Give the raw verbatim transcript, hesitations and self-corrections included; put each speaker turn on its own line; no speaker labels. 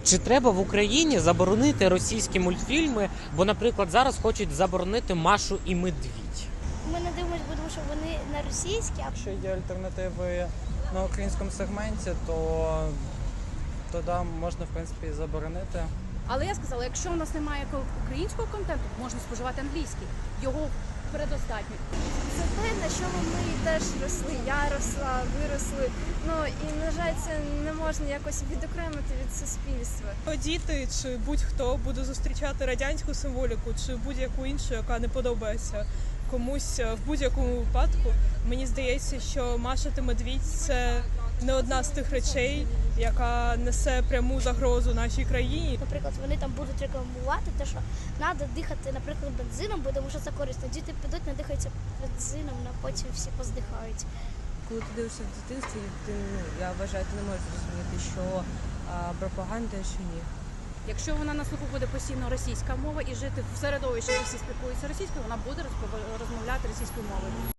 Чи треба в Україні заборонити російські мультфільми? Бо, наприклад, зараз хочуть заборонити Машу і Медвідь.
Ми не дивимося, тому що вони на російські, а
Якщо є альтернативи на українському сегменті, то тоді можна, в принципі, і заборонити.
Але я сказала, якщо у нас немає українського контенту, можна споживати англійський. Його передостатньо.
Це те, на чому ми теж росли. Я росла, виросли. Ну і на жаль, це не можна якось відокремити від суспільства.
Діти чи будь-хто буде зустрічати радянську символіку чи будь-яку іншу, яка не подобається комусь в будь-якому випадку. Мені здається, що Маша та Медвідь – це не одна з тих речей, яка несе пряму загрозу нашій країні.
наприклад, вони там будуть рекламувати те, що треба дихати, наприклад, бензином, бо тому що це корисно. Діти підуть, надихаються бензином, а потім всі поздихають.
Коли ти дивишся в дитинстві, ти, ну, я вважаю, ти не можеш зрозуміти, що а, пропаганда, що ні.
Якщо вона на слуху буде постійно російська мова і жити в середовищі, де всі спілкуються російською, вона буде розмовляти російською мовою.